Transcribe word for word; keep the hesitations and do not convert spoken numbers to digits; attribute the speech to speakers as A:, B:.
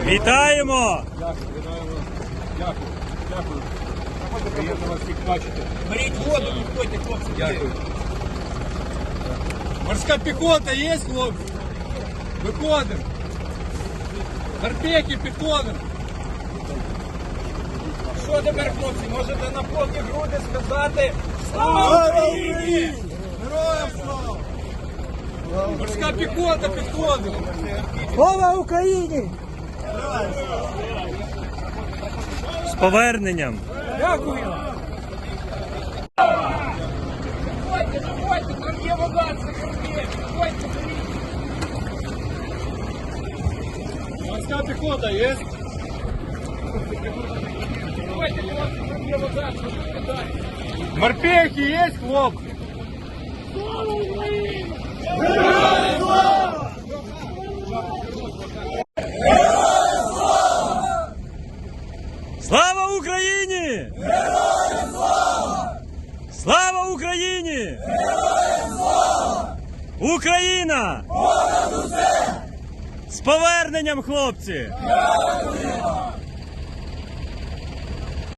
A: Вітаємо!
B: Дякую, вітаємо. Дякую. Дякую. Приємно вас всіх бачити.
C: Беріть воду, виходьте, хлопці.
B: Дякую. Морська піхота є, хлопці? Виходимо. Морпехи, підходимо.
C: Що тепер, хлопці, можете на повні груди сказати «Слава Україні!»
B: Героям слава! Морська піхота, підходимо.
D: Слава Україні!
A: З поверненням!
C: Дякую! Виходьте, виходьте, там є вода, це є. Виходьте, беріть.
B: Морська піхота є?
C: Виходьте, хлопці, там є вода, це вода.
B: Морпехи є, хлопці?
A: Слава Україні! Героям слава! Слава Україні! Героям слава! Україна! Понад усе! З поверненням, хлопці! Дякуємо!